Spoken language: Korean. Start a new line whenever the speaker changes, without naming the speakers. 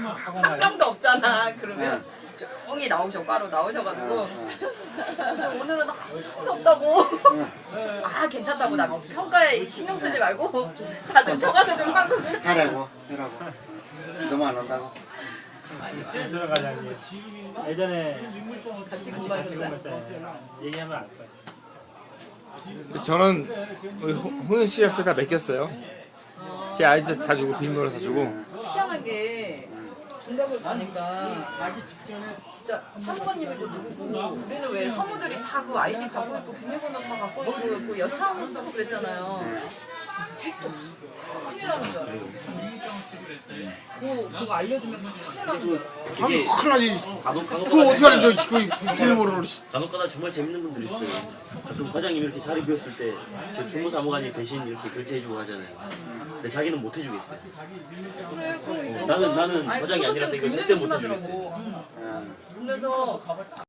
한 명도 없잖아. 그러면 조용히 과로 나오셔가지고 저 오늘은 아무도 없다고. 아 괜찮다고 나 평가에 신경 쓰지 말고 다들 저가서 좀 하고.
하라고. 너무 안 온다고.
김철호 과장님 예전에
같이
같이
공부하셨어요?
공부했어요. 얘기하면 알 거예요.
저는 훈훈 씨 앞에 다 맡겼어요. 제 아이들 다 주고 빈물을 다 주고.
희한하게 중학을 가니까 진짜 사무관님이고 누구고 우리는 왜 사무들이 다 그 아이디 갖고 있고 비밀번호 다 갖고 있고 그 여차하면 쓰고 그랬잖아요. 택도 없어. 큰일 나는 줄 알아요. 그거 알려주면 큰일 나는 줄 알아요.
이게
큰일 나지.
간혹가다
그거 어떻게 하는 저 비밀번호를.
간혹가다 정말 재밌는 분들이 있어요. 가끔 과장님이 이렇게 자리 비웠을 때 제 주무사무관이 대신 이렇게 결제해주고 하잖아요. 근데 자기는 못 해주겠대.
그래 그럼 이제
나는 과장이 아니라서 이거 절대 못 해주겠대.
그래서